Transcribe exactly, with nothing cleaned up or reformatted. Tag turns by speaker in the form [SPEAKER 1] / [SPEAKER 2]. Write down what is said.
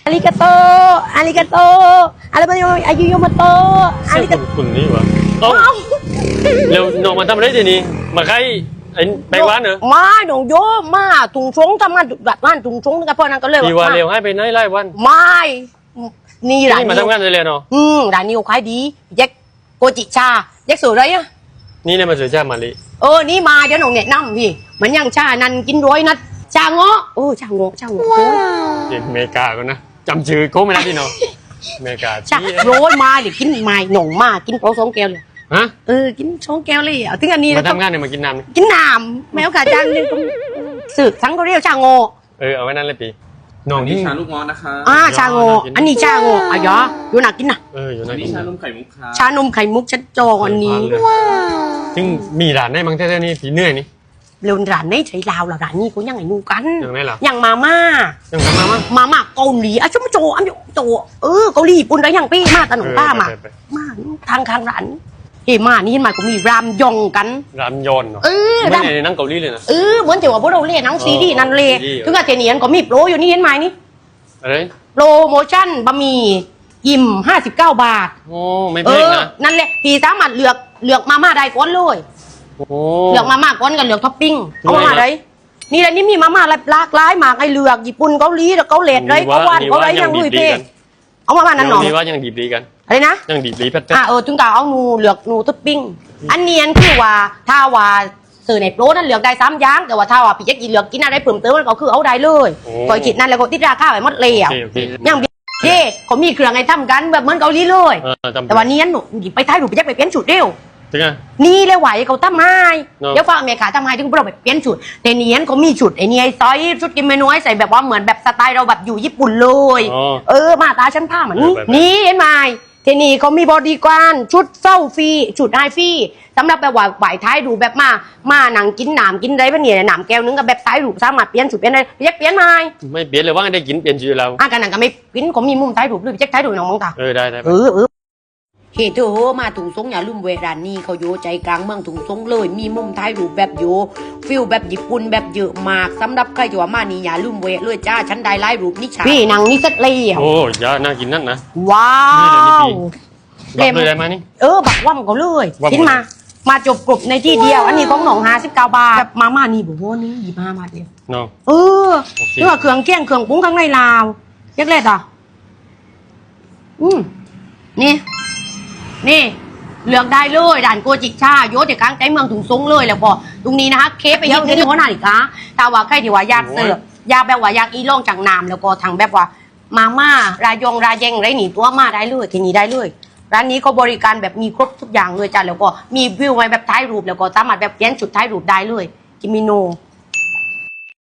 [SPEAKER 1] อาริกาโตอาริกาโตอะไรบ้างอายุโยมาโตอาริกาโต
[SPEAKER 2] คุณนี่วะต้องเร็วน้องมาทำอะไรทีนี้มาใครไอ้แบงค์วันเหรอ
[SPEAKER 1] มาหนูโยมาถุงชงทำงานแบบบ้านถุงชงกับพ่อนั่นก็เลย
[SPEAKER 2] กี่วันเร็วให้ไปไหนไล่วัน
[SPEAKER 1] ไม่นี่ร้านนี้
[SPEAKER 2] มาทำงานเลยเนาะ
[SPEAKER 1] อืมร้านนี้ขายดีแยกโกจิชาแยกสวยเลยอะ
[SPEAKER 2] นี่เนี่ยมาสื่อชามาลิ
[SPEAKER 1] เออนี่มาเดี๋ยวหนูเนี่ยนั่งพี่เหมือนอย่างชานันกินร้อยนัดชาเงาะโอ้ชาเงาะชาเงาะ
[SPEAKER 2] เด็กเมกากันนะจำชื่อเขาไม่ได้พี่เนาะเมกา
[SPEAKER 1] ชาโรยมาเดี๋ยวกินมาหน่งมากินโป๊ะสองแก้วเลย
[SPEAKER 2] ฮะ
[SPEAKER 1] เออกินสองแก้วเลยอ่ะถึงอันนี้
[SPEAKER 2] มาทำงานเนี่ยมากินน้ำ
[SPEAKER 1] กินน้ำแมวขาจังเนี่ยสืบทั้งเขาเรียกชาโง
[SPEAKER 2] เออเอาไว้นั่นเลยปีน้อง
[SPEAKER 3] นี่ชาลูกมอสนะคะ
[SPEAKER 1] อ่าชาโงอันนี้ชาโงอ่ะยออยู่หนักกินนะ
[SPEAKER 2] เอออยู่หนัก
[SPEAKER 3] กินชานมไข่มุกค่ะ
[SPEAKER 1] ชานมไข่มุกชัดจองอันนี้ว้าว
[SPEAKER 2] ซึ่งมีร้านได้มั้งแท้ๆนี่ผีเหนื่อยนี่
[SPEAKER 1] เร็วร้านนี้ใช้ลาวแล้วร้านนี้เขายังไงนูกัน
[SPEAKER 2] ยังไงล่ะ
[SPEAKER 1] ยังมาม่า
[SPEAKER 2] ยังมาม่า
[SPEAKER 1] มาม่าเกาหลีอ่ะชุ่มโจอันนี้โจเออเกาหลีปุ่นได้ยังปี้มาตะหนุ่มป้ามามาทางทางร้านเฮ้มานี่เห็นไหมก็มีรามยองกัน
[SPEAKER 2] รามยอนเนาะ
[SPEAKER 1] เออ
[SPEAKER 2] ไม่ในนั่งเกาหลีเลยนะ
[SPEAKER 1] เออเหมือนที่ว่าพวกเราเล่นหนังซีรีส์นั่นเลยถึงกับเทเนียนก็มีโปรอยู่นี่เห็นไหมนี่
[SPEAKER 2] อะไร
[SPEAKER 1] โปรโมชั่นบะหมี่อิ่มห้าสิบเก้าบาท
[SPEAKER 2] โอ้ไม่แพงนะ
[SPEAKER 1] นั่นแหละพี่สามารถเลือกเลือกมาม่าได้ก้อนเลยเลือกมาม่าก้อนกันเลือกท็อปปิ้งเอามาได้นี่แหละนี่มีมาม่าหลากหลายมากไอเลือกญี่ปุ่นเกาหลีแล้วเกาหลีเลยเกาหวานเกาหลียังลุยเพ่เอามาม่านั้นหน่อย
[SPEAKER 2] นี่ว่ายังดีดีกัน
[SPEAKER 1] อะไรนะ
[SPEAKER 2] ยังดีดีแป๊ด
[SPEAKER 1] อ่าเออถึงกับเอาหนูเลือกหนูท็อปปิ้งอันเนียนคือว่าถ้าว่าสื่อในโปรนั้นเลือกได้สามอย่างแต่ว่าถ้าว่าพี่จะกินเลือกกินอะไรเพิ่มเติมมันก็คือเอาได้เลยก่อยกินนั่นแล้วก็ติดราคาไปหมดเลยอ่ะยังเย่เขามีเครื่องไอ้ทำกันแบบเหมือนเกาหลีเลยแต่วันนี้หนูหยิบไปท้ายหนูไปแยกไปเปลี่ยนชุดเดียวนี่เลยไหวเขาทำให้เดี๋ยวฟังเมียขาทำให้ที่พวกเราไปเปลี่ยนชุดแต่เนี้ยเขามีชุดไอ้นี่ไอ้ซอยชุดกินเมนูให้ใส่แบบว่าเหมือนแบบสไตล์เราแบบอยู่ญี่ปุ่นเลยเออมาตาชั้นผ้าเหมือนนี่นี่เห็นไหมเทนี่เขามีบอดี้การ์ดชุดเศร้าฟรีชุดไฮฟรีสำหรับแบบว่าไหวท้ายดูแบบมามาหนังกินหนามกินอะไรแบบนี้หนามแก้วนึงกับแบบท้ายดูสามารถเปลี่ยนชุดเปลี่ยนอะไรเรียกเปลี่ยนไหม
[SPEAKER 2] ไม่เปลี่ยนเลยว่าได้กินเปลี่ยนชื่อเรา
[SPEAKER 1] อ่ะกันหนังก็ไม่กินเขามีมุมท้ายดูด้วยเจ๊กท้ายดูน้องมองตา
[SPEAKER 2] เออได้ได้
[SPEAKER 1] เออเออเฮ้เธอมาถุงซงอย่าลืมเวรานนี่เขาโยใจกลางเมืองถุงซงเลยมีมุมท้ายรูปแบบโยฟิลแบบญี่ปุ่นแบบเยอะมากสำหรับใครที่ว่ามานี่อย่าลืมเวรเลยจ้าฉันได้ไล่รูปนิชาพี่นางนี่เซ็ตเลย
[SPEAKER 2] โอ้ยาน่ากินนั่นนะ
[SPEAKER 1] ว้าว
[SPEAKER 2] เต็มเลยได้ไหมนี่
[SPEAKER 1] เออบักว่ำเขาเลยกินมามาจบกรุบในที่เดียวอันนี้ของหนองหาสิบเก้าบาทแบบมาม่านี่บอกว่านี่ยี่ห้าบาทเดียว
[SPEAKER 2] เนาะ
[SPEAKER 1] เออนี่ว่าเครื่องเคี่ยงเครื่องปรุงข้างในลาวยักษ์เล็ดอ่ะอืมนี่นี่เลือกได้เลยด่านโกจิชาโยเด็กกลางใจเมืองถุงซงเลยแล้วพอตรงนี้นะคะเคฟไปยิ่งที่หัวหน้าอีกนะแต่ว่าใครที่ว่าอยากเสิร์ฟอยากแบบว่าอยากอีล่องจังน้ำแล้วก็ทางแบบว่ามาม่ารายงรายเยงไรหนีตัวมาได้เลยที่นี่ได้เลยร้านนี้ก็บริการแบบมีครบทุกอย่างเลยจ้ะแล้วก็มีวิวไว้แบบท้ายรูปแล้วก็สามารถแบบเปลี่ยนจุดท้ายรูปได้เลยกิมิโน